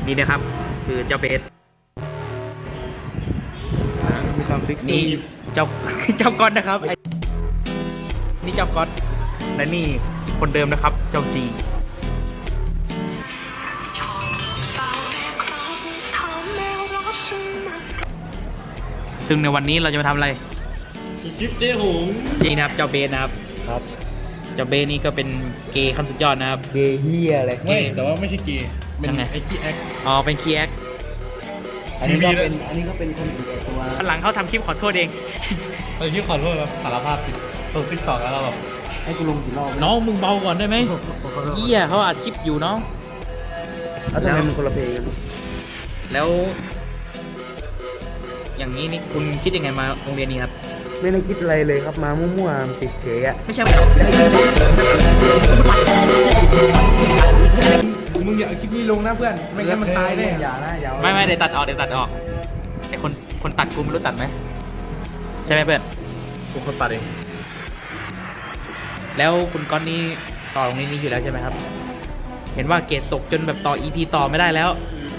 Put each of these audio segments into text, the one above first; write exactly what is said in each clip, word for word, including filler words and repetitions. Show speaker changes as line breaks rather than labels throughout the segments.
นี่นะครับคือเจ้าเบส
มีความฟิกซ์
นี่เจ้า เจ้าก๊อตนะครับไอ้นี่เจ้าก๊อตและนี่คนเดิมนะครับ เจ้าจีซึ่งในวันนี้เราจะมาทำอะไร
คลิปเจ๊หง
นี่นะครับเจ้าเบสนะครับ
ครับ
เจ้าเบสนี่ก็เป็นเกย์ขั้นสุดยอดนะครับ
เกย์เฮียอะไร
ไม่
แต่ว่าไม่ใช่เกย์เป็น
ยังไง
ไอ้ขี้แอค
อ๋อเป็นคีแอค
อันนี้ก็เป็นอันนี้ก็เป็นคนอื่นแต่ตัว
หลังเขาทำคลิปขอโทษเอง
เออที่ขอโทษครับสารภาพผิดลงติ๊กต็อกแล้วเราแบบให้กูลงกี่รอบ
น้องมึงเบาก่อนได้ไหมเหี้ยเขาอัดคลิปอยู่น้อง
แล้วทำไมมันคนละเพลงกัน
แล้ว อย่างนี้นี่คุณคิดยังไงมาโรงเรียนนี้ครับ
ไม่ได้คิดอะไรเลยครับมามั่วๆติดเฉยอะ
ไม่ใช่
มึงอย่าเอาคลิปนี้ลงนะเพื่อนไม่งั้นมันตายแน่อย่านะอย่า
ไม่ไม่เดี๋ยวตัดออกเดี๋ยวตัดออกไอคนคนตัดกูไม่รู้ตัดไหมใช่ไหมเพื่อน
กูคนตัดเอง
แล้วคุณก้อนนี่ต่อตรงนี้นี่อยู่แล้วใช่ไหมครับ เห็นว่าเกรดตกจนแบบต่อ อี พี ต่อไม่ได้แล้ว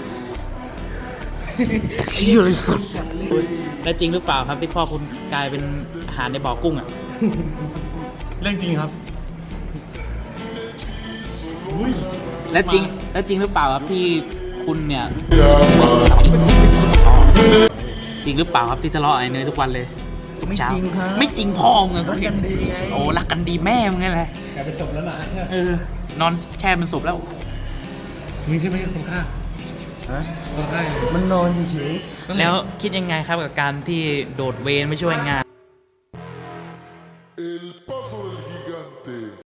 เชี่ยเลยสุด
แล้วจริงหรือเปล่าครับที่พ่อคุณกลายเป็นอาหารในบ่อกุ้งอ่ะ
เรื่องจริงครับ
แล้วจริงแล้วจริงหรือเปล่าครับที่คุณเนี่ย จริงหรือเปล่าครับที่ทะเลาะไอ้เนยทุกวันเลยทุกเช้า
ไม่จริงครับ
ไม่จริงพ่อมึงอะ
รักกันดีไง
โอ้รักกันดีแม่มึงไงแหละ
กลายเป็นศพแล้วนะ
เออนอนแช่เป็นศพแล้ว
มึงใช่ไหมคนฆ่าฮะคนฆ่ามันนอนเฉยๆ
แล้วคิดยังไงครับกับการที่โดดเวรไม่ช่วยงาน